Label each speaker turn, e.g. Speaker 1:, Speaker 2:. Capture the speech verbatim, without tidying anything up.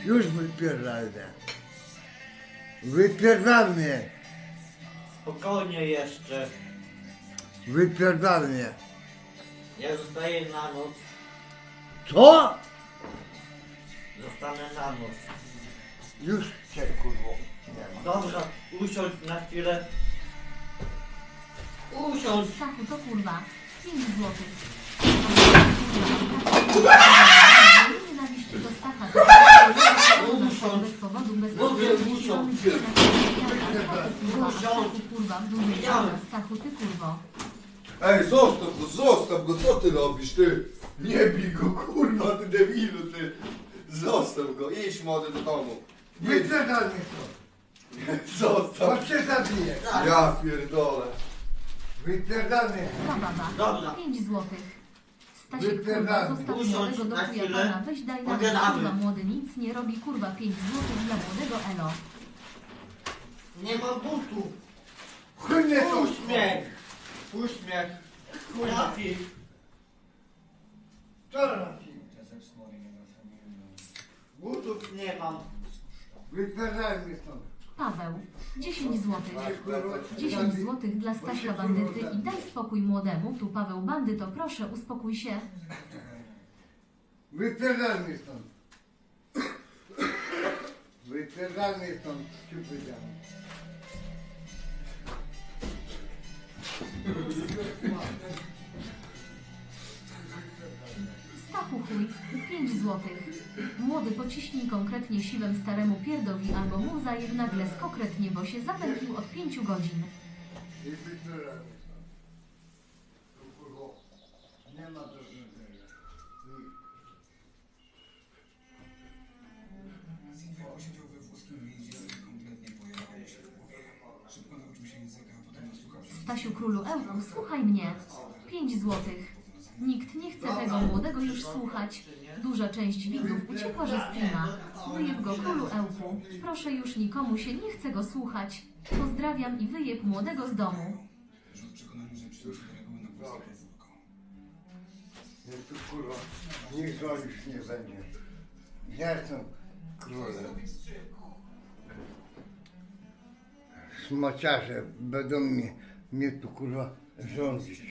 Speaker 1: Już wypierdal mnie. Wypierdal mnie.
Speaker 2: Spokojnie jeszcze.
Speaker 1: Wypierdal mnie.
Speaker 2: Ja zostaję na noc.
Speaker 1: Co?
Speaker 2: Zostanę na noc.
Speaker 1: Już cię kurwo nie ma.
Speaker 2: Dobra, usiądź na chwilę. Usiądź.
Speaker 3: Stachu to kurwa. pięć złotych. Nienawiść do Stacha. Bez powodu, bez
Speaker 2: Mówię, usiądź.
Speaker 3: Stachu kurwa, w dużej
Speaker 2: Widziałem.
Speaker 3: Stachu ty kurwo.
Speaker 4: Ej, zostaw go, zostaw go, co ty robisz, ty? Nie bij go, kurwa, ty debilu, ty. Zostaw go, idź młody do domu. Idź,
Speaker 1: Wypierdal mnie to. Bo
Speaker 4: zostaw.
Speaker 1: cię zabiję.
Speaker 4: Ja pierdolę.
Speaker 1: Wypierdal mnie.
Speaker 3: Ta baba.
Speaker 2: Dobra.
Speaker 3: pięć złotych. Stasiek kurwa,
Speaker 1: Wypierdalaj.
Speaker 3: zostaw
Speaker 2: Usiądź
Speaker 3: młodego do
Speaker 2: na
Speaker 3: chuja
Speaker 2: chwilę.
Speaker 3: pana. Weź daj na
Speaker 2: Pogadamy.
Speaker 3: kurwa, młody nic nie robi, kurwa, pięć złotych dla młodego elo.
Speaker 2: Nie mam butów.
Speaker 1: Chuj mnie to.
Speaker 2: Uśmiech. Uśmiech. Trafi.
Speaker 1: Co robisz?
Speaker 2: Butów nie mam.
Speaker 1: Wypierdal mnie stąd.
Speaker 3: Paweł, dziesięć złotych. dziesięć złotych dla Stasia bandyty i daj spokój młodemu. Tu Paweł bandyto, proszę uspokój się.
Speaker 1: Wypierdal mnie stąd. Wypierdal mnie stąd, ci powiedziałem.
Speaker 3: Stachu chuj, pięć złotych. Młody pociśnij konkretnie siwem staremu pierdowi albo mu zajeb nagle skokretnie, bo się zapętlił od pięciu godzin.
Speaker 1: I wypierdal mnie stąd. Tu kurwo, nie ma do zrobienia.
Speaker 5: Silvio siedział we włoskim więzieniu i kompletnie pojechało się w głowie. Szybko nauczył się języka, a potem nasłuchał się.
Speaker 3: Stasiu królu Ełku, słuchaj mnie. pięć złotych. Nikt nie chce tego młodego już słuchać. Duża część widzów uciekła ze streama. Wyjeb go królu Ełku. Proszę już nikomu się nie chce go słuchać. Pozdrawiam i wyjeb młodego z domu.
Speaker 5: Że w przekonaniu, że przynosi do reguły na włoskie podwórko.
Speaker 1: Jest tu kurwa, nikt go już nie będzie. Ja jestem królem. Smaciarze będą mnie, mnie tu kurwa rządzić.